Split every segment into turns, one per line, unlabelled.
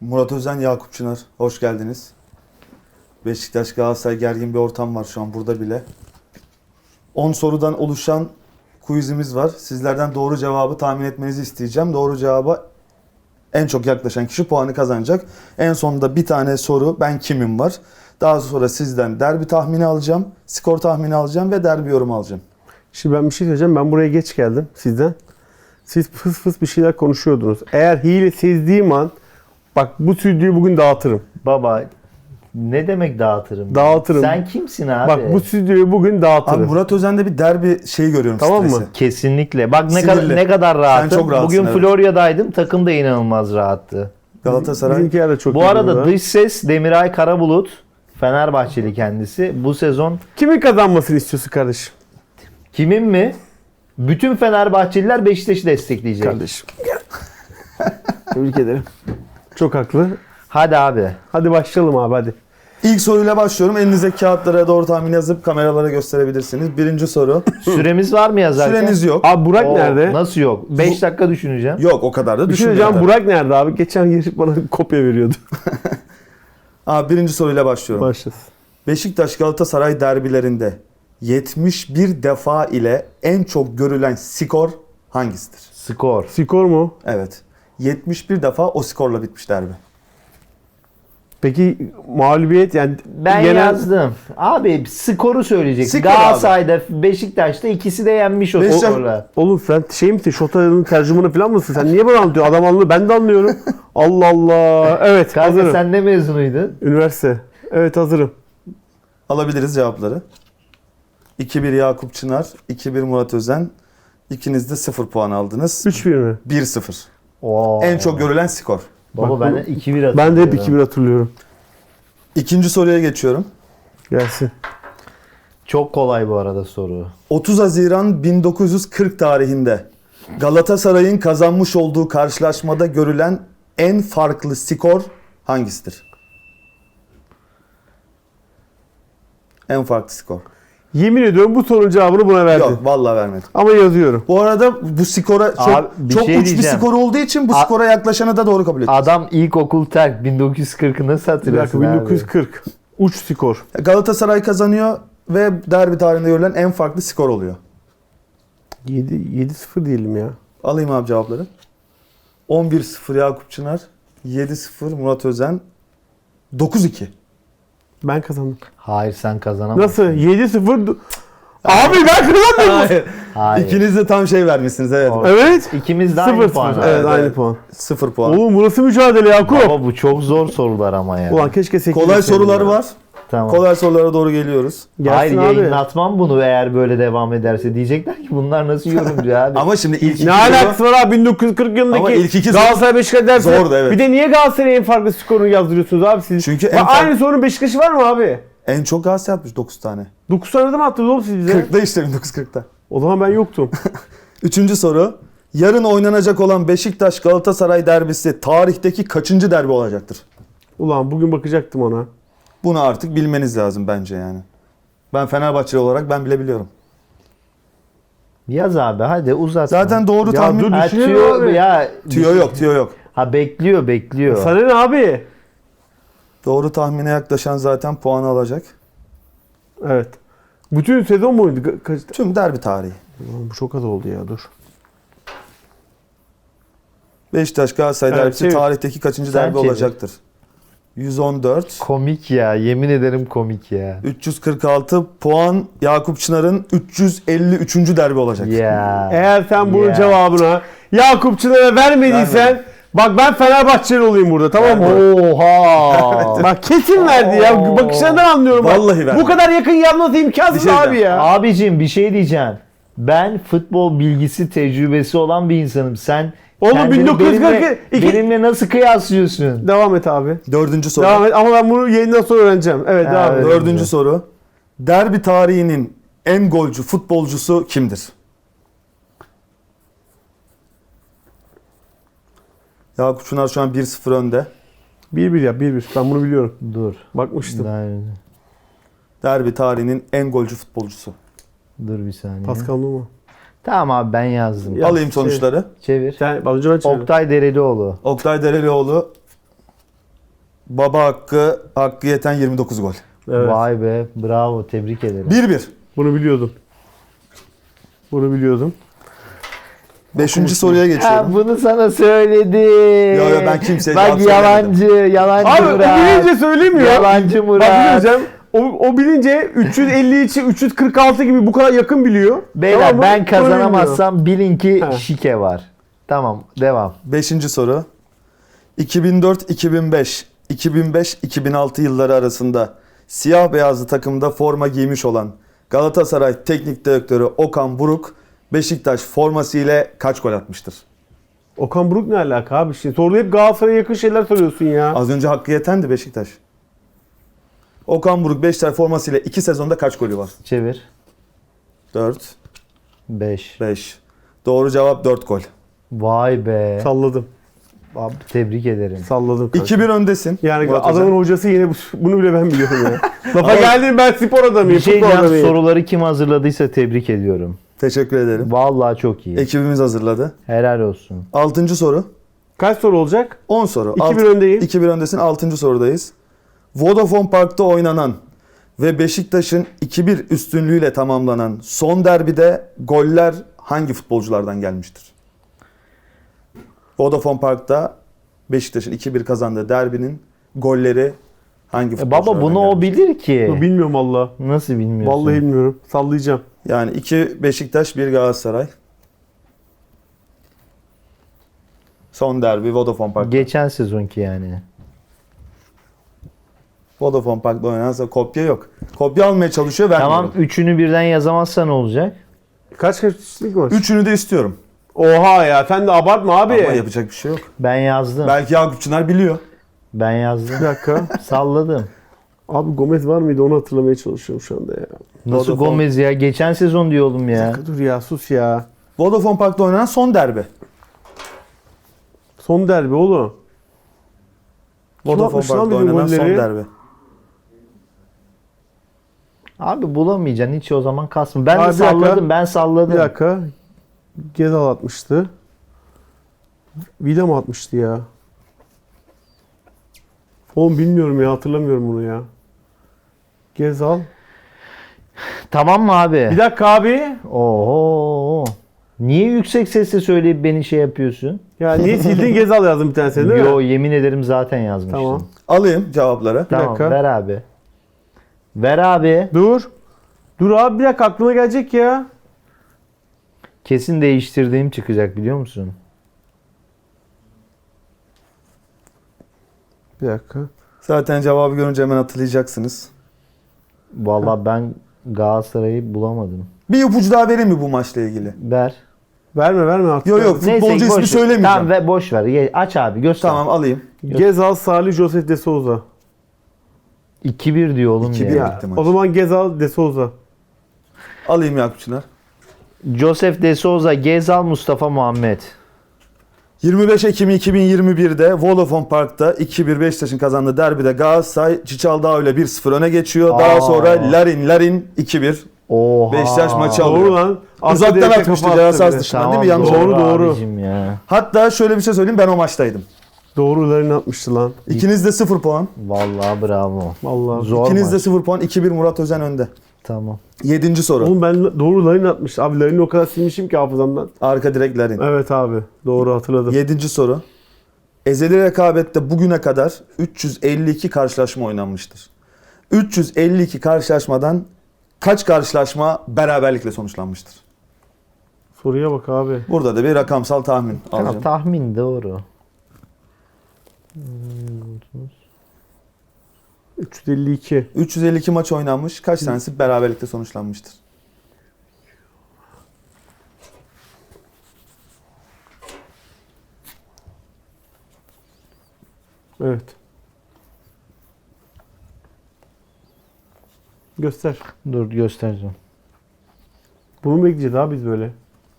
Murat Özen, Yakup Çınar. Hoş geldiniz. Beşiktaş Galatasaray gergin bir ortam var şu an burada bile. 10 sorudan oluşan quizimiz var. Sizlerden doğru cevabı tahmin etmenizi isteyeceğim. Doğru cevaba en çok yaklaşan kişi puanı kazanacak. En sonunda bir tane soru ben kimim var. Daha sonra sizden derbi tahmini alacağım, skor tahmini alacağım ve derbi yorumu alacağım.
Şimdi ben bir şey söyleyeceğim. Ben buraya geç geldim sizden. Siz fıs fıs bir şeyler konuşuyordunuz. Eğer hile sezdiğim an bak bu stüdyoyu bugün dağıtırım.
Baba ne demek dağıtırım?
Dağıtırım.
Sen kimsin abi?
Bak bu stüdyoyu bugün dağıtırım.
Abi Murat Özen'de bir derbi şeyi görüyorum,
Tamam
stresi.
mı?
Kesinlikle. Bak
Sinirli.
ne kadar rahatım.
Sen çok rahatsın,
Bugün
evet.
Florya'daydım. Takım da inanılmaz rahattı.
Galatasaray.
Bizimkiler de çok
Bu
iyi
arada
burada.
dış ses Demiray Karabulut. Fenerbahçeli kendisi. Bu sezon
Kimin kazanmasını istiyorsun kardeşim?
kimin mi? Bütün Fenerbahçeliler Beşiktaş'ı destekleyecek.
Kardeşim. Tebrik ederim. Çok haklı.
Hadi abi.
Hadi başlayalım abi hadi.
İlk soruyla başlıyorum. Elinizdeki kağıtlara doğru tahmin yazıp kameralara gösterebilirsiniz. Birinci soru.
Süremiz var mı yazarken?
Süreniz yok.
Abi Burak
Oo,
nerede?
Nasıl yok? 5 dakika düşüneceğim.
Yok, o kadar da
Bir şey
düşünmüyorum.
söyleyeceğim. Burak nerede abi? Geçen gelip bana kopya veriyordu.
Abi birinci soruyla başlıyorum.
Başlasın.
Beşiktaş Galatasaray derbilerinde 71 defa ile en çok görülen skor hangisidir?
Skor.
Skor mu?
Evet. 71 defa o skorla bitmiş derbi.
Peki mağlubiyet yani
Ben
genel-
yazdım. Abi skoru söyleyeceksin.
Skor
Galatasaray'da, Beşiktaş'ta ikisi de yenmiş o
Beşiktaş-
skorla.
Oğlum sen şey misin? Şota'nın tercümanı falan mısın? Sen niye bana anlatıyorsun? Adam anlıyor. Ben de anlıyorum. Allah Allah. Evet
Kanka
hazırım.
sen ne mezunuydun?
Üniversite. Evet hazırım.
Alabiliriz cevapları. 2-1 Yakup Çınar, 2-1 Murat Özen. İkiniz de 0 puan aldınız.
3-1 mi?
1-0.
Oo.
En çok görülen skor.
Baba
Bak
ben
bu-
2-1 hatırlıyorum.
Ben de hep 2-1 hatırlıyorum.
İkinci soruya geçiyorum.
Gelsin.
Çok kolay bu arada soru.
30 Haziran 1940 tarihinde Galatasaray'ın kazanmış olduğu karşılaşmada görülen en farklı skor hangisidir? En farklı skor.
Yemin ediyorum bu sorunun cevabını buna verdim.
Yok, vallahi vermedim.
Ama yazıyorum.
Bu arada bu skora çok,
Abi, bir
çok
şey
uç bir
diyeceğim.
skor olduğu için bu skora yaklaşanı da doğru kabul ediyoruz.
Adam ilkokul terk 1940'ı nasıl
Bir dakika
hatırlıyorsun abi?
1940. Uç skor.
Galatasaray kazanıyor ve derbi tarihinde görülen en farklı skor oluyor.
7-0 diyelim ya.
Alayım abi cevapları. 11-0 Yakup Çınar, 7-0 Murat Özen, 9-2.
Ben kazandım.
Hayır sen kazanamadın.
Nasıl? 7-0. Abi ben kazandım.
Hayır.
İkiniz de tam şey vermişsiniz, evet.
Doğru.
Evet.
İkimiz de aynı
0-0.
puan.
Evet,
Evet,
aynı
evet.
puan.
0 puan.
Oğlum burası mücadele Yakup.
Ama bu çok zor sorular ama ya.
Ulan keşke 8
Kolay sorular var.
Tamam.
Kolay sorulara doğru geliyoruz.
Hayır
Gelsin abi.
yayınlatmam bunu eğer böyle devam ederse. Diyecekler ki bunlar nasıl yorumcu abi.
Ama şimdi ilk iki
Ne
soru-
alakası var abi 1940 yılındaki
Ama ilk iki soru-
Galatasaray Beşiktaş dersi.
Zordu, evet.
Bir de niye Galatasaray'ın en farklı skorunu yazdırıyorsunuz abi siz?
Çünkü
Bak,
en farklı-
aynı sorunun Beşiktaş'ı var mı abi?
En çok Galatasaray atmış 9 tane.
9 tane de mi attınız oğlum siz bize?
40'da işte 1940'ta.
O zaman ben yoktum.
Üçüncü soru. Yarın oynanacak olan Beşiktaş Galatasaray derbisi tarihteki kaçıncı derbi olacaktır?
Ulan bugün bakacaktım ona.
Bunu artık bilmeniz lazım bence yani. Ben Fenerbahçeli olarak ben bile biliyorum.
Yaz abi hadi uzat.
Zaten doğru
Ya
tahmin...
dur,
Ha,
düşünelim
tüyo,
abi.
ya,
Tüyo yok, tüyo yok.
Ha bekliyor.
Sana ne abi?
Doğru tahmine yaklaşan zaten puanı alacak.
Evet. Bütün sezon boyunca kaç...
Tüm derbi tarihi.
Ulan bu çok az oldu ya dur.
Beşiktaş Galatasaray
Evet,
derbisi
çevir.
tarihteki kaçıncı
Sen
derbi
çevir.
olacaktır? 114.
Komik ya yemin ederim komik ya.
346 puan Yakup Çınar'ın 353. derbi olacak.
Ya.
Eğer sen bunun
Ya.
cevabını Yakup Çınar'a vermediysen
Vermedim.
bak ben Fenerbahçeli olayım burada tamam mı?
Oha.
Bak kesin verdi ya.
Oo.
Bakışlarından anlıyorum. bak.
Vallahi verdi.
Bu kadar yakın yanması imkansız
Bir şey
abi
diyeceğim.
ya.
Abicim bir şey diyeceğim. Ben futbol bilgisi tecrübesi olan bir insanım. Sen
Oğlum,
kendini
1942
benimle nasıl kıyaslıyorsun?
Devam et abi.
Dördüncü soru.
Devam et ama ben bunu yayından sonra öğreneceğim. Evet devam et.
Evet.
Dördüncü soru. Derbi tarihinin en golcü futbolcusu kimdir? Yakup Çınar şu an 1-0 önde.
1-1 ya 1-1. Ben bunu biliyorum.
Dur.
Bakmıştım.
Derbi tarihinin en golcü futbolcusu.
Dur bir saniye.
Pascal Numa.
Tamam abi ben yazdım.
Ya,
Alayım sonuçları.
Çevir.
Sen az önce ben çevirdim.
Oktay Derelioğlu.
Oktay Derelioğlu Baba hakkı yeten 29 gol.
Evet.
Vay be, bravo, tebrik ederim.
1-1.
Bunu biliyordum. Bunu biliyordum.
5. soruya
Ha,
geçiyorum.
bunu sana söyledim.
Yo, ben kimseye
Bak,
cevap söylemedim.
yalancı
Abi o
Murat.
bilince söylemiyor.
Yalancı
Bak
Murat.
bileceğim. O bilince 350 için 346 gibi bu kadar yakın biliyor.
Beyler,
Tamam mı?
ben
Bunu
kazanamazsam bilin ki
Ha.
şike var. Tamam, devam.
5. soru. 2004-2005, 2005-2006 yılları arasında siyah beyazlı takımda forma giymiş olan Galatasaray Teknik Direktörü Okan Buruk Beşiktaş forması ile kaç gol atmıştır?
Okan Buruk ne alaka abi? Şimdi soruda hep Galatasaray'a yakın şeyler soruyorsun ya.
Az önce hakkı yetendi Beşiktaş. Okan Buruk Beşiktaş forması ile 2 sezonda kaç golü var?
Çevir.
4,
5.
5. Doğru cevap 4 gol.
Vay be.
Salladım.
Abi, tebrik ederim.
Salladım kanka.
2-1 öndesin.
Yani
Murat
adamın
Özen.
hocası yine bunu bile ben biliyorum ya. Lafa geldim, ben spor adamıyım.
Bir şey
futbol
diyeceğim,
adamıyım.
soruları kim hazırladıysa tebrik ediyorum.
Teşekkür ederim.
Vallahi çok iyi.
Ekibimiz hazırladı.
Helal olsun.
6. soru.
Kaç soru olacak?
10 soru.
2-1 öndeyim.
2-1 öndesin. 6. sorudayız. Vodafone Park'ta oynanan ve Beşiktaş'ın 2-1 üstünlüğüyle tamamlanan son derbide goller hangi futbolculardan gelmiştir? Vodafone Park'ta Beşiktaş'ın 2-1 kazandığı derbinin golleri hangi futbolculardan
Baba, bunu o
gelmiştir?
bilir ki.
Bilmiyorum valla.
Nasıl bilmiyorsun?
Vallahi bilmiyorum. Sallayacağım.
Yani 2 Beşiktaş, 1 Galatasaray. Son derbi Vodafone Park'ta.
Geçen sezonki yani.
Vodafone Park'ta oynanırsa kopya yok. Kopya almaya çalışıyor, vermiyorum.
Tamam, üçünü birden yazamazsa ne olacak?
Kaç kişilik var?
Üçünü de istiyorum.
Oha ya, sen de abartma abi.
Ama yapacak bir şey yok.
Ben yazdım.
Belki Yakup Çınar biliyor.
Ben
Bir
yazdım.
dakika.
Salladım.
Abi Gomez var mıydı, onu hatırlamaya çalışıyorum şu anda ya.
Nasıl
Vodafone-
Gomez ya? Geçen sezon diyor oğlum
Bir
ya.
dakika dur ya, sus ya.
Vodafone Park'ta oynanan son derbi.
Son derbi oğlum. Kim
Vodafone
atmış lan
Park'ta
bizim
oynanan son
golleri?
derbi.
Abi bulamayacaksın hiç, o zaman kasma. Ben
Abi
de
bir dakika.
salladım, ben salladım.
Bir dakika. Gezal atmıştı. Vida mı atmıştı ya? Oğlum bilmiyorum ya, hatırlamıyorum bunu ya. Gezal.
Tamam mı abi?
Bir dakika abi.
Oho. Niye yüksek sesle söyleyip beni şey yapıyorsun?
Ya niye sildin, Gezal yazdım bir tanesini değil
Yo,
mi?
yemin ederim zaten yazmıştım.
Tamam.
Alayım cevapları.
Tamam,
dakika.
ver abi. Ver abi.
Dur. Dur abi, bir dakika, aklıma gelecek ya.
Kesin değiştirdiğim çıkacak, biliyor musun?
Bir dakika.
Zaten cevabı görünce hemen hatırlayacaksınız.
Vallahi ben Galatasaray'ı bulamadım.
Bir ipucu daha vereyim mi bu maçla ilgili?
Ver.
Verme artık.
Yok yok, futbolcu
boş
ismi
ver.
söylemeyeceğim.
Tamam, ve boş ver. Aç abi, göster.
Tamam, alayım.
Gezal, Salih, Josef De Souza.
2-1 diyor oğlum
2-1
ya.
Ya,
bitti maç.
o zaman Gezal, De Souza.
Alayım Yakup Çınar.
Josef De Souza, Gezal, Mustafa Muhammed.
25 Ekim 2021'de Vodafone Park'ta 2-1 Beşiktaş'ın kazandığı derbide Galatasaray Çiçaldao ile 1-0 öne geçiyor. Daha
Aa.
sonra Larin 2-1.
Oha.
Beşiktaş maçı alıyor.
Doğru lan.
Uzaktan
Arka direkte
atmıştı,
kafa
ceza
attı
sahası
bir de.
dışından
Tamam,
değil mi? Yanlış
doğru,
oldu.
doğru.
abicim ya.
Hatta şöyle bir şey söyleyeyim, ben o maçtaydım.
Doğrularını atmıştı lan.
İkiniz de 0 puan.
Vallahi bravo.
Vallahi.
Zor
İkiniz de
maç.
0 puan. 2-1 Murat Özen önde.
Tamam.
7. soru.
Oğlum ben doğrularını atmış. Abi Larin'i o kadar silmişim ki hafızamdan.
Arka direkt Larin.
Evet abi. Doğru hatırladım.
7. soru. Ezeli rekabette bugüne kadar 352 karşılaşma oynanmıştır. 352 karşılaşmadan kaç karşılaşma beraberlikle sonuçlanmıştır?
Soruya bak abi.
Burada da bir rakamsal tahmin
Tamam,
alacağım.
tahmin doğru.
352.
352 maç oynanmış. Kaç tanesi beraberlikle sonuçlanmıştır?
Evet. Göster.
Dur, göstereceğim.
Bunu mu bekleyeceğiz abi biz böyle?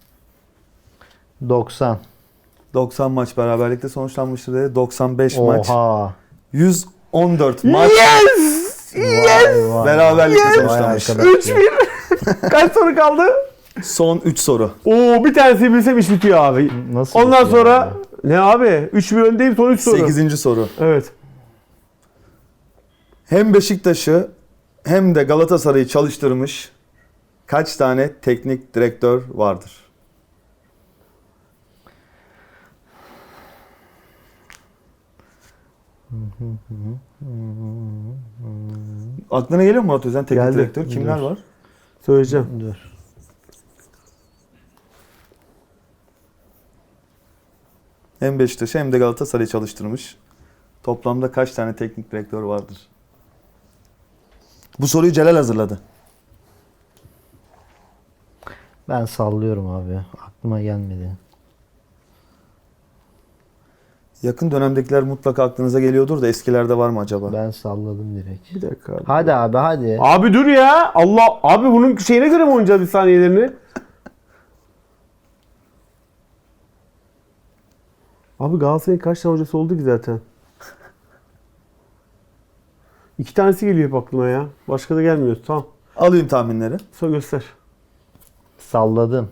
90.
90 maç beraberlikle sonuçlanmıştır dedi. 95 maç.
Oha.
114 maç
Vay vay.
beraberlikle
Vay
sonuçlanmış.
arkadaş ya.
Kaç soru kaldı?
Son 3 soru.
Oo, bir tanesi bilsem iş bitiyor abi.
Nasıl
Ondan
bitiyor
sonra
ya?
ne abi? 3-1 öndeyim, son 3 soru.
8. soru.
Evet.
hem Beşiktaş'ı hem de Galatasaray'ı çalıştırmış kaç tane teknik direktör vardır? Aklına geliyor mu Murat Özen teknik
Geldi.
direktör? Kimler
Dur.
var?
Söyleyeceğim.
Dur.
Hem Beşiktaş'ı hem de Galatasaray'ı çalıştırmış. Toplamda kaç tane teknik direktör vardır? Bu soruyu Celal hazırladı.
Ben sallıyorum abi. Aklıma gelmedi.
Yakın dönemdekiler mutlaka aklınıza geliyordur da eskilerde var mı acaba?
Ben salladım direkt.
Bir dakika abi.
Hadi abi hadi.
Abi dur ya. Allah abi bunun şeyine göre mi oynayacağız bir saniyelerini? Abi Galatasaray'ın kaç tane hocası oldu ki zaten? 2 tanesi geliyor hep aklıma ya. Başka da gelmiyor. Tamam.
Alayım tahminleri.
Sonra göster.
Salladım.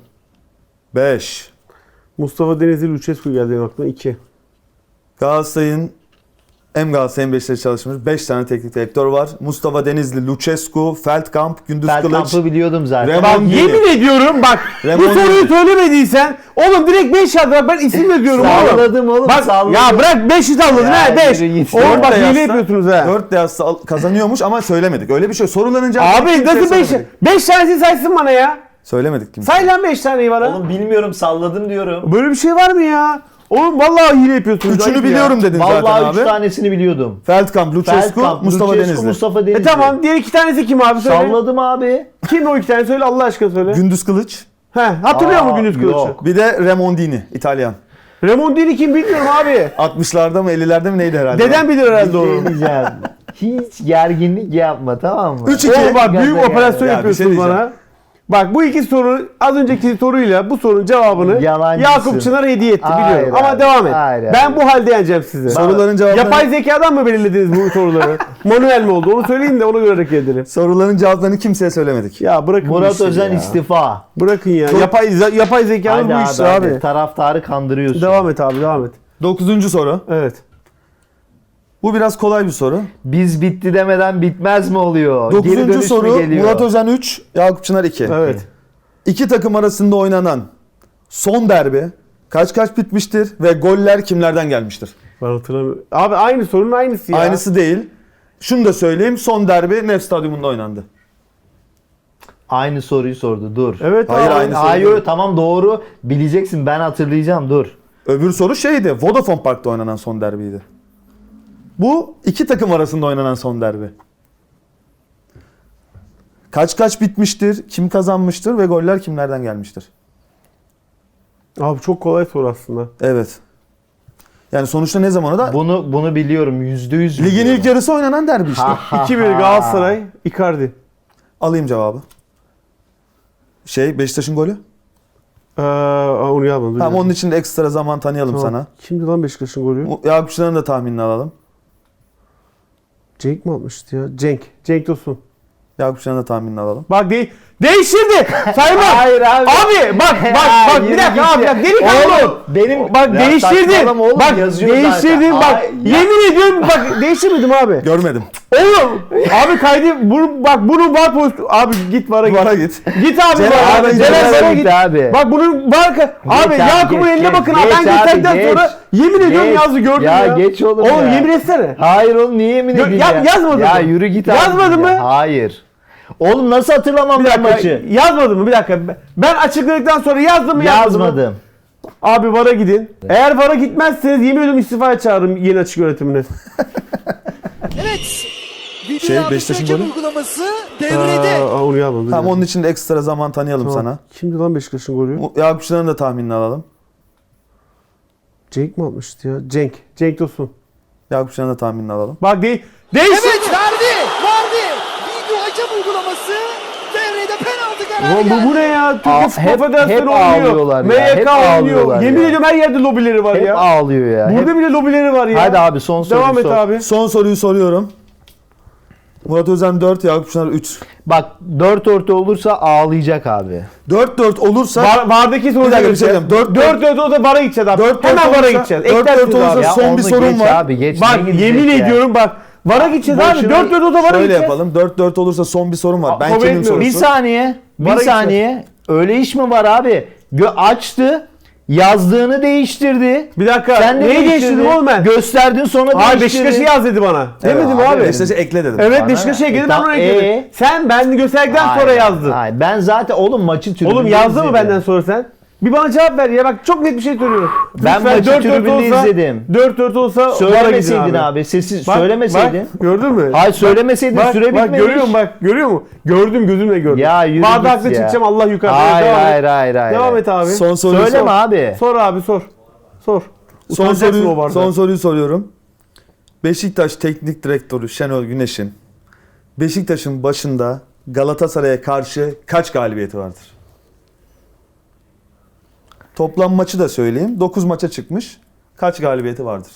5.
Mustafa Denizli, Lucescu geldi benim aklıma. 2.
Galatasaray'ın hem Galatasaray hem Beşiktaş çalışmış 5 tane teknik direktör var. Mustafa Denizli, Lucescu, Feldkamp, Gündüz Kılıç.
Feldkamp'ı biliyordum zaten.
Remo-
Bak
Remondini.
yemin ediyorum bak bu
Remondini.
soruyu söylemediysen oğlum direkt 5 yazdı. Ben isim de diyorum oğlum.
Salladım oğlum,
Bak
salladım.
ya bırak 5'i salladın
Ya
ha 5.
yürü git.
Oğlum bak
Dört de
hile
yazsa-
yapıyorsunuz ha.
4 de yazsa kazanıyormuş ama söylemedik. Öyle bir şey. Soruların cevabını
Abi
kimseye
nasıl 5?
söylemedik.
5 tanesini saysın bana ya.
Söylemedik kimse.
Say lan 5 taneyi bana.
Oğlum bilmiyorum salladım diyorum.
Böyle bir şey var mı ya? Oğlum vallahi hile yapıyorsunuz. ayıp
Üçünü
ya.
biliyorum dedin zaten
Vallahi 3
abi.
tanesini biliyordum.
Feldkamp, Lucescu,
Feldkamp,
Mustafa
Lucescu,
Denizli.
Mustafa Denizli.
Tamam diğer 2 tanesi kim abi söyle.
Salladım abi.
Kim o 2 tane söyle Allah aşkına söyle.
Gündüz Kılıç.
He hatırlıyor musun Gündüz Kılıç'ı?
yok.
Bir de Remondini, İtalyan.
Remondini kim bilmiyorum abi.
60'larda mı 50'lerde mi neydi herhalde?
Dedem bilir herhalde onu.
Ne diyeceğim? Hiç gerginlik yapma tamam mı?
3-2.
Oğlum bak büyük
Gaza
operasyon
Ya, bir
yapıyorsunuz
şey diyeceğim.
bana. Bak bu iki soru az önceki soruyla bu sorunun cevabını
Yalancısın.
Yakup Çınar hediye etti
Hayır
biliyorum. Ama
abi,
devam et.
hayır abi.
Ben bu halde yeneceğim sizi.
Soruların cevaplarını-
Yapay zekadan mı belirlediniz bu soruları? Manuel mi oldu? Onu söyleyin de ona göre hareket edelim.
Soruların cevaplarını kimseye söylemedik.
Ya bırakın bu
Murat
işleri
Özen
ya.
istifa.
Bırakın ya. Yapay zekanın
Hadi
bu işi
abi,
abi.
taraftarı kandırıyorsun.
Devam et abi devam et.
9. soru.
Evet.
Bu biraz kolay bir soru.
Biz bitti demeden bitmez mi oluyor? Geri
9.
dönüş mü
soru
geliyor?
Murat Özen 3, Yakup Çınar 2.
Evet.
İki takım arasında oynanan son derbi kaç bitmiştir ve goller kimlerden gelmiştir?
Ben hatırlamıyorum. Abi aynı sorunun aynısı ya.
Aynısı değil. Şunu da söyleyeyim. Son derbi Nef Stadyumunda oynandı.
Aynı soruyu sordu dur.
Evet
Hayır,
abi.
aynı soru
Hayır
değil.
tamam doğru. Bileceksin ben hatırlayacağım dur.
Öbür soru şeydi. Vodafone Park'ta oynanan son derbiydi. Bu iki takım arasında oynanan son derbi. Kaç bitmiştir? Kim kazanmıştır ve goller kimlerden gelmiştir?
Abi çok kolay soru aslında.
Evet. Yani sonuçta ne zaman o da
Bunu biliyorum %100
ligin
biliyorum.
ilk yarısı oynanan derbi işte.
2-1 Galatasaray, Icardi.
Alayım cevabı. Beşiktaş'ın golü.
Onu yazmadım.
Tamam onun için de ekstra zaman tanıyalım sana.
Kimdi lan Beşiktaş'ın golü?
Yakup Çınar'ın da tahminini alalım.
Cenk mi atmıştı ya? Cenk Tosun.
Yakup Çınar'ın da tahminini alalım.
Bak değiştirdi. Saymam.
Hayır abi.
Abi bak bir
Yürü
dakika
git
abi
ya.
bak delikanlı ol.
Oğlum benim
Bak
Ya
değiştirdin.
saçmalama oğlum,
Bak
yazıyor
değiştirdin
zaten.
bak.
Ay, ya.
Yemin ediyorum bak değiştirmedim abi.
Görmedim.
Oğlum abi bunun var pozisyonu. Abi git vara git.
Vara git.
Git abi
Celal
vara.
abi,
Celal
Celal
vara
git
git.
abi.
Bak bunun var. Abi
abi,
Yakup'un
geç,
eline
geç,
bakın abi. Ben
geç abi,
gösterdikten
geç.
sonra yemin ediyorum
Geç.
yazdı gördüm ya.
Ya geç oğlum
Oğlum
ya.
yemin etsene.
Hayır oğlum niye yemin edeyim ya?
Yazmadın
Ya
mı?
yürü git abi.
Yazmadın mı?
Hayır. Oğlum nasıl hatırlamam
Bir
ben
dakika
maçı?
yazmadın mı? Bir dakika. Ben açıkladıktan sonra yazdım mı yazmadım mı?
Yazmadım.
Abi VAR'a gidin. Eğer VAR'a gitmezseniz yemin ediyorum istifaya çağırırım yeni açık yönetimine.
Evet. Video
Beşiktaş'ın
hakem
golü.
uygulaması devrede.
Onu yazmadım.
Tamam onun için de ekstra zaman tanıyalım sana.
Kimdi lan Beşiktaş'ın golü?
Yakup Çınar'ın da tahminini alalım.
Cenk mi atmıştı ya? Cenk Tosun.
Yakup Çınar'ın da tahminini alalım.
Bak değişti.
Evet verdi. Video hakem uygulaması devrede penaltı kararı geldi.
Bu ne ya? Türkiye
Aa,
Futbol
hep
Federasyonu
ağlıyorlar
oynuyor.
ya, hep
MYK oynuyor.
ağlıyorlar
Yemin
ya.
ediyorum her yerde lobileri var
Hep
ya.
ağlıyor ya.
Burada
Hep...
bile lobileri var ya.
Hadi abi son soru
Devam et
sor.
abi.
Son soruyu soruyorum. Murat Özen 4, Yakup Çınar 3.
Bak 4 orta olursa ağlayacak abi.
4-4 olursa
VAR'daki soruya
Bir dakika, bir şey
gideceğiz.
diyeceğim.
4-4 o da VAR'a gideceğiz abi.
4-4
Hemen VAR'a
olursa-
gideceğiz.
4-4
Eklersiniz
olursa
abi.
Ya
son
onu
bir sorun
geç
var.
Abi, geç.
Bak
Ne gidecek
yemin
ya?
ediyorum bak VAR'a gideceğiz abi.
Boşuna-
4-4 o da VAR'a
Şöyle
gideceğiz.
yapalım. 4-4 olursa son bir sorum var. Ben
kabul
kimim
etmiyorum.
sorusu.
Bir saniye.
Vara
Bir saniye. Öyle iş mi var abi? Açtı. Yazdığını değiştirdi.
Bir dakika.
Sen de
Neyi
değiştirdin.
değiştirdim oğlum ben?
Gösterdin sonra
Abi
değiştirdin.
Beşiktaş'ı yaz dedi bana. Demedim
Evet,
abi.
Beşiktaş'ı ekle dedim.
Evet
Bana
Beşiktaş'a
ne?
ekledim ben
Tamam,
onu ekledim. Sen ben gösterdikten sonra
Hayır,
yazdın.
hayır. Ben zaten oğlum maçı tribünde
Oğlum yazdı mı
izledim.
benden sonra sen? Bir bana cevap ver ya. Bak çok net bir şey söylüyorum.
Ben
Lütfen
maçı
4-4
tribünde
olsa-
izledim.
4-4 olsa VAR'a gidin
Söylemeseydin abi. Sessiz
Bak,
söylemeseydin.
Bak, gördün mü?
Hayır, söylemeseydin,
Bak,
süre
bak,
bitmemiş.
görüyor musun bak? Görüyor musun? Gördüm gözümle gördüm.
Ya yürü
Barda
git
haklı
ya.
çıkacağım Allah yukarıda.
Hayır,
Devam et.
hayır.
Devam et abi.
Son soruyu
Söyleme
sor.
abi.
Sor abi sor. Sor.
Son
Utanacaksın o
soruyu,
barda.
son soruyu soruyorum. Beşiktaş Teknik Direktörü Şenol Güneş'in Beşiktaş'ın başında Galatasaray'a karşı kaç galibiyeti vardır? Toplam maçı da söyleyeyim. 9 maça çıkmış. Kaç galibiyeti vardır?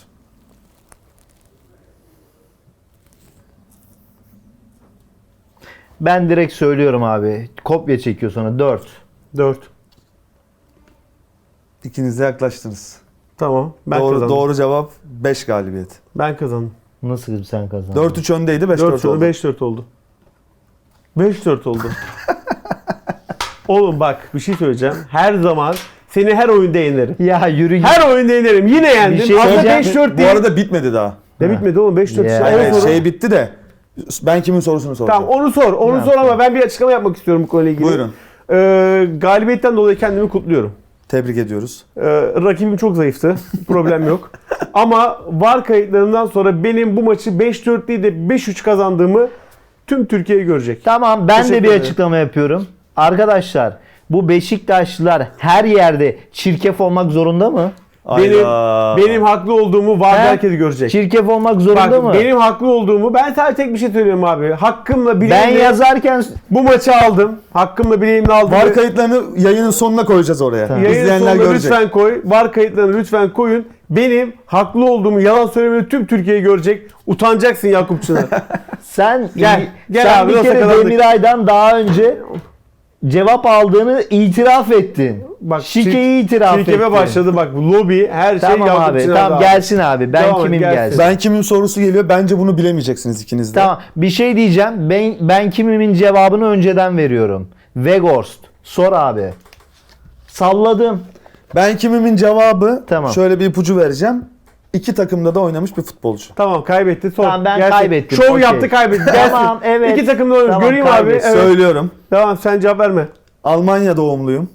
Ben direkt söylüyorum abi. Kopya çekiyor sonra 4.
4.
İkiniz de yaklaştınız.
Tamam. Ben
Doğru,
kazandım.
doğru cevap 5 galibiyet.
Ben kazandım.
Nasıl sen kazandın?
4-3 öndeydi, 5-4
4
oldu.
5-4 oldu. 5-4 oldu. Oğlum bak bir şey söyleyeceğim. Her zaman seni her oyunda yenerim.
Ya yürü git.
Her oyunda yenerim. Yine yendim.
şey
Aslında
söyleyeceğim.
5-4
Bu
değil.
arada bitmedi daha.
Ne bitmedi oğlum 5-4
Ya.
işte.
Evet,
Evet,
şey bitti de ben kimin sorusunu soracağım.
Tamam onu sor. Onu sor ama ben bir açıklama yapmak istiyorum bu konuyla ilgili.
Buyurun.
Galibiyetten dolayı kendimi kutluyorum.
Tebrik ediyoruz.
Rakibim çok zayıftı. Problem yok. Ama VAR kayıtlarından sonra benim bu maçı 5-4 değil de 5-3 kazandığımı tüm Türkiye görecek.
Tamam, ben de
Teşekkür
bir
ederim.
açıklama yapıyorum. Arkadaşlar, bu Beşiktaşlılar her yerde çirkef olmak zorunda mı?
Benim haklı olduğumu VAR
He?
herkes görecek.
Çirkef olmak zorunda
Bak
mı?
benim haklı olduğumu ben sadece tek bir şey söylüyorum abi. Hakkımla
Ben
bileğimle
yazarken
bu maçı aldım. Hakkımla bileğimle aldım.
VAR kayıtlarını yayının sonuna koyacağız oraya.
Tamam.
Yayın
İzleyenler
sonuna
görecek.
lütfen koy. VAR kayıtlarını lütfen koyun. Benim haklı olduğumu yalan söylemeni tüm Türkiye görecek. Utanacaksın Yakup Çınar.
sen
Gel
sen
abi,
bir
nasıl
kere
kazandık?
Demiray'dan daha önce cevap aldığını itiraf ettin.
Bak,
Şikeyi itiraf ettin.
Çirkeve başladı bak lobi her şey
Tamam
Yakup
abi,
Çınar
tamam
abi.
gelsin abi. Ben
Devam et,
kimim
gelsin.
gelsin.
Ben kimin sorusu geliyor? Bence bunu bilemeyeceksiniz ikiniz de.
Tamam, bir şey diyeceğim. Ben kimimin cevabını önceden veriyorum. Weghorst. Sor abi. Salladım.
Ben kimimin cevabı
Tamam.
şöyle bir ipucu vereceğim. İki takımda da oynamış bir futbolcu.
Tamam kaybetti. Sor.
Tamam, ben
Gelsin.
kaybettim,
Şov
okey.
yaptı kaybetti. Gelsin.
Tamam, evet.
İki takımda oynamış.
Tamam,
Göreyim abi.
kaybetsin.
Evet.
Söylüyorum.
Tamam sen cevap verme.
Almanya doğumluyum.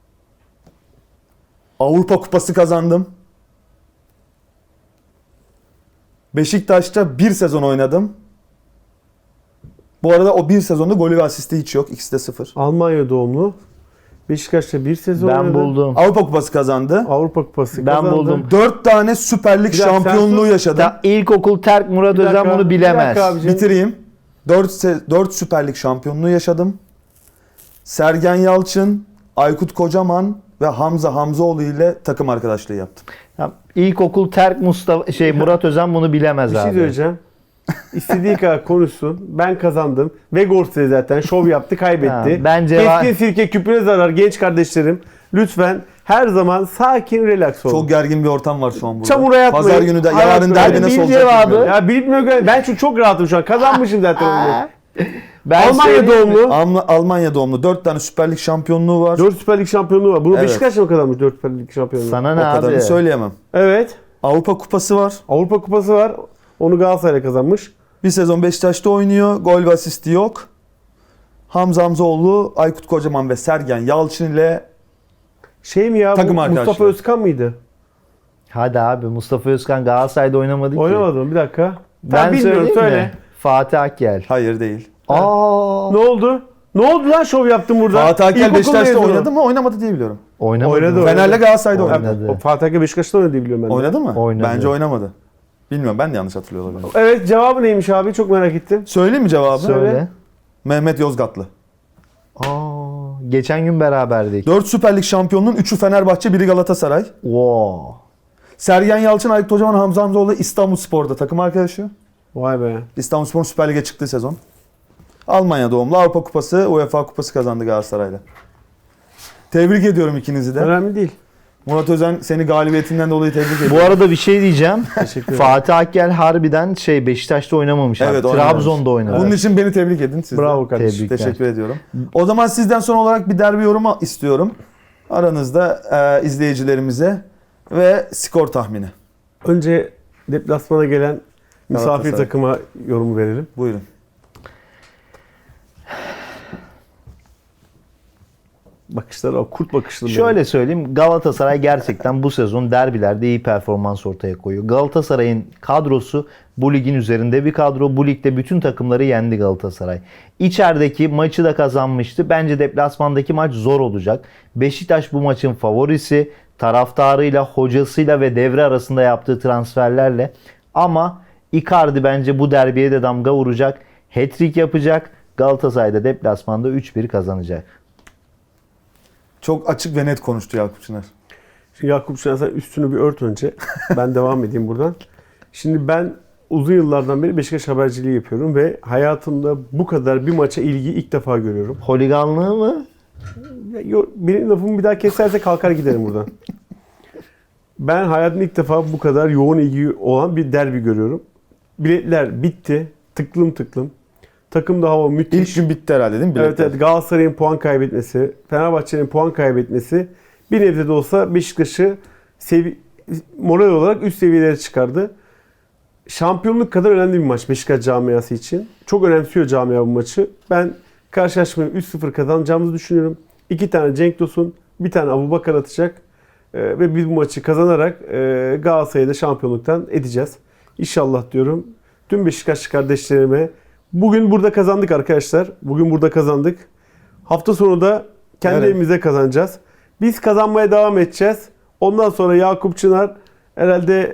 Avrupa Kupası kazandım. Beşiktaş'ta bir sezon oynadım. Bu arada o bir sezonda golü ve asisti hiç yok. İkisi de 0.
Almanya doğumlu. Beşiktaş'ta bir sezon
Ben
oynadı.
buldum.
Avrupa Kupası kazandı.
Avrupa Kupası
Ben
kazandı.
buldum.
4 tane Süper Lig
Bir dakika, sen
şampiyonluğu
sus.
yaşadım.
İlkokul Terk Murat
Bir dakika,
Özen bunu
bir
bilemez.
dakika abicim.
Bitireyim. 4 Süper Lig şampiyonluğu yaşadım. Sergen Yalçın, Aykut Kocaman ve Hamza Hamzoğlu ile takım arkadaşlığı yaptım.
Tamam, İlkokul Terk Murat Özen bunu bilemez
Bir şey
abi.
söyleyeceğim. İstediği kadar konuşsun. Ben kazandım. Vegors de zaten şov yaptı, kaybetti.
Ha, bence
Keskin sirke küpüne zarar genç kardeşlerim. Lütfen her zaman sakin, relax olun.
Çok gergin bir ortam var şu an burada.
Çamura yatmayın.
Pazar günü de
Hayat
yarın
böyle.
derbi
Hadi
nasıl
bil
olacak
cevabı.
bilmiyorum.
Ya bilmiyorum. Ben çok rahatım şu an. Kazanmışım zaten oyunu.
Ben
Almanya
söyleyeyim mi?
doğumlu.
Almanya doğumlu 4 tane Süper Lig şampiyonluğu var.
4 Süper Lig şampiyonluğu var. Bunu
Evet.
Beşiktaş mı kazanmış 4 Süper Lig şampiyonluğu?
Sana
O
ne
kadarını
abi?
söyleyemem.
Evet.
Avrupa Kupası var.
Avrupa Kupası var. Onu Galatasaray'la kazanmış.
Bir sezon Beşiktaş'ta oynuyor. Gol ve asisti yok. Hamza Hamzoğlu, Aykut Kocaman ve Sergen Yalçın ile
Şey mi ya?
Takım
Bu
arkadaşlar.
Mustafa Özkan mıydı?
Hadi abi, Mustafa Özkan Galatasaray'da oynamadı ki.
Oynamadım. Bir dakika.
Ben
bilmiyorum.
söyleyeyim
Söyle.
mi? Fatih Akgel.
hayır değil.
Aa,
Ne oldu? Ne oldu lan şov yaptın burada?
Fatih Akgel
İlkokul
Beşiktaş'ta
mezunu.
oynadı mı? Oynamadı diye biliyorum.
oynamadı.
Oynadı,
mı?
oynadı.
Fener'le Galatasaray'da
Oynadı.
oynadı.
O Fatih Akgel Beşiktaş'ta oynadı diye biliyorum ben de.
Oynadı mı?
Oynadı.
Bence oynamadı. Bilmiyorum, ben de yanlış hatırlıyor olabilirim.
Evet, cevabı neymiş abi? Çok merak ettim.
Söyleyeyim mi cevabı?
Söyle.
Mehmet Yozgatlı.
Aa, geçen gün beraberdik.
4 Süper Lig şampiyonluğun 3'ü Fenerbahçe, biri Galatasaray.
Wow.
Sergen Yalçın, Aykut Kocaman, Hamza Hamzoğlu İstanbulspor'da takım arkadaşı.
Vay be.
İstanbulspor'un Süper Lig'e çıktığı sezon. Almanya doğumlu, Avrupa Kupası, UEFA Kupası kazandı Galatasaray'la. Tebrik ediyorum ikinizi de.
Önemli değil.
Murat Özen seni galibiyetinden dolayı tebrik ediyorum.
Bu arada bir şey diyeceğim.
Teşekkür ederim.
Fatih Akgel harbiden Beşiktaş'ta oynamamış.
Evet,
abi.
oynamamış.
Trabzon'da oynadı.
Bunun için beni tebrik edin siz de.
Bravo kardeşim.
Tebrikler.
Teşekkür ediyorum. O zaman sizden son olarak bir derbi yorumu istiyorum. Aranızda izleyicilerimize ve skor tahmini.
Önce deplasmana gelen misafir
Galatasaray.
takıma yorumu verelim.
Buyurun.
Bakışlar o kurt bakışlı.
Şöyle söyleyeyim, Galatasaray gerçekten bu sezon derbilerde iyi performans ortaya koyuyor. Galatasaray'ın kadrosu bu ligin üzerinde bir kadro. Bu ligde bütün takımları yendi Galatasaray. İçerideki maçı da kazanmıştı. Bence deplasmandaki maç zor olacak. Beşiktaş bu maçın favorisi. Taraftarıyla, hocasıyla ve devre arasında yaptığı transferlerle. Ama Icardi bence bu derbiye de damga vuracak. Hat-trick yapacak. Galatasaray da deplasmanda 3-1 kazanacak.
Çok açık ve net konuştu Yakup Çınar.
Şimdi Yakup Şener sen üstünü bir ört önce. Ben devam edeyim buradan. Şimdi ben uzun yıllardan beri Beşiktaş haberciliği yapıyorum ve hayatımda bu kadar bir maça ilgi ilk defa görüyorum.
Holiganlığı mı?
Benim lafımı bir daha keserse kalkar giderim buradan. Ben hayatımda ilk defa bu kadar yoğun ilgi olan bir derbi görüyorum. Biletler bitti. Tıklım tıklım. Takımda hava müthiş.
İlk gün bitti herhalde değil mi
Evet,
biletler?
evet, Galatasaray'ın puan kaybetmesi, Fenerbahçe'nin puan kaybetmesi bir nebze de olsa Beşiktaş'ı moral olarak üst seviyelere çıkardı. Şampiyonluk kadar önemli bir maç Beşiktaş camiası için. Çok önemsiyor camia bu maçı. Ben karşılaşmayı 3-0 kazanacağımızı düşünüyorum. 2 tane Cenk Tosun, bir tane Abubakar atacak. Ve biz bu maçı kazanarak Galatasaray'ı da şampiyonluktan edeceğiz. İnşallah diyorum. Tüm Beşiktaşlı kardeşlerime bugün burada kazandık arkadaşlar. Bugün burada kazandık. Hafta sonu da kendi
Evet.
evimizde kazanacağız. Biz kazanmaya devam edeceğiz. Ondan sonra Yakup Çınar herhalde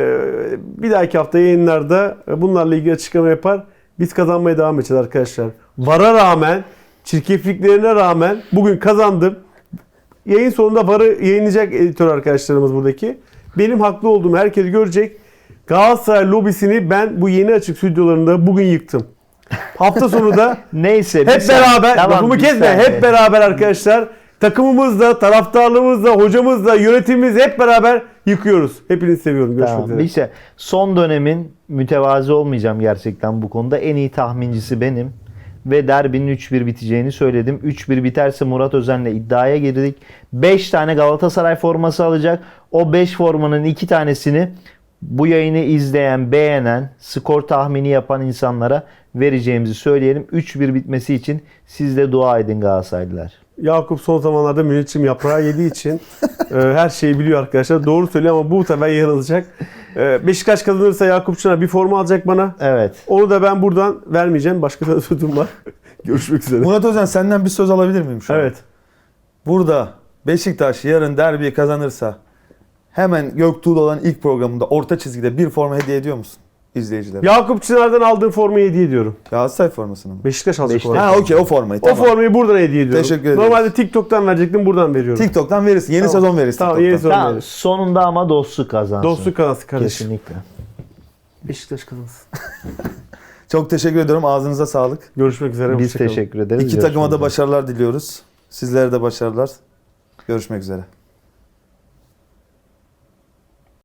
bir dahaki hafta yayınlarda bunlarla ilgili açıklama yapar. Biz kazanmaya devam edeceğiz arkadaşlar. VAR'a rağmen, çirkefliklerine rağmen bugün kazandım. Yayın sonunda VAR'ı yayınlayacak editör arkadaşlarımız buradaki. Benim haklı olduğumu herkes görecek. Galatasaray lobisini ben bu yeni açık stüdyolarında bugün yıktım. Hafta sonu da
Neyse.
hep beraber, lafımı kesme, hep beraber arkadaşlar takımımızla, taraftarlığımızla, hocamızla, yönetimimiz hep beraber yıkıyoruz. Hepinizi seviyorum. Görüşmek
Tamam.
üzere.
İşte son dönemin mütevazi olmayacağım gerçekten bu konuda. En iyi tahmincisi benim. Ve derbinin 3-1 biteceğini söyledim. 3-1 biterse Murat Özen'le iddiaya girdik. 5 tane Galatasaray forması alacak. O 5 formanın 2 tanesini bu yayını izleyen, beğenen, skor tahmini yapan insanlara vereceğimizi söyleyelim. 3-1 bitmesi için siz de dua edin Galatasaraylılar.
Yakup son zamanlarda müneccim yaprağı yediği için her şeyi biliyor arkadaşlar. Doğru söylüyor ama bu sefer yanılacak. Beşiktaş kazanırsa Yakup Çınar bir forma alacak bana.
Evet.
Onu da ben buradan vermeyeceğim. Başka da sözüm var. Görüşmek üzere.
Murat Özen senden bir söz alabilir miyim şu an?
Evet.
Burada Beşiktaş yarın derbiyi kazanırsa hemen Göktuğ'da olan ilk programında orta çizgide bir forma hediye ediyor musun izleyicilere?
Yakup Çınar'dan aldığım formayı hediye ediyorum.
Galatasaray formasını mı?
Beşiktaş alacak
Beşiktaş.
olan.
Ha okey o formayı.
O
Tamam.
formayı buradan hediye ediyorum.
Teşekkür ederiz.
Normalde TikTok'tan verecektim, buradan veriyorum.
TikTok'tan verirsin. Yeni
Tamam.
sezon verirsin.
Tamam,
TikTok'tan.
yeni sezon
Tamam,
veririz.
sonunda ama dostluk kazansın.
Dostluk kazansın kardeşim.
Kesinlikle.
Beşiktaş kazansın.
Çok teşekkür ediyorum. Ağzınıza sağlık.
Görüşmek üzere.
Biz
hoşça kalın.
teşekkür ederiz.
İki takıma da
Görüşmek üzere.
başarılar diliyoruz. Sizlere de başarılar. Görüşmek üzere.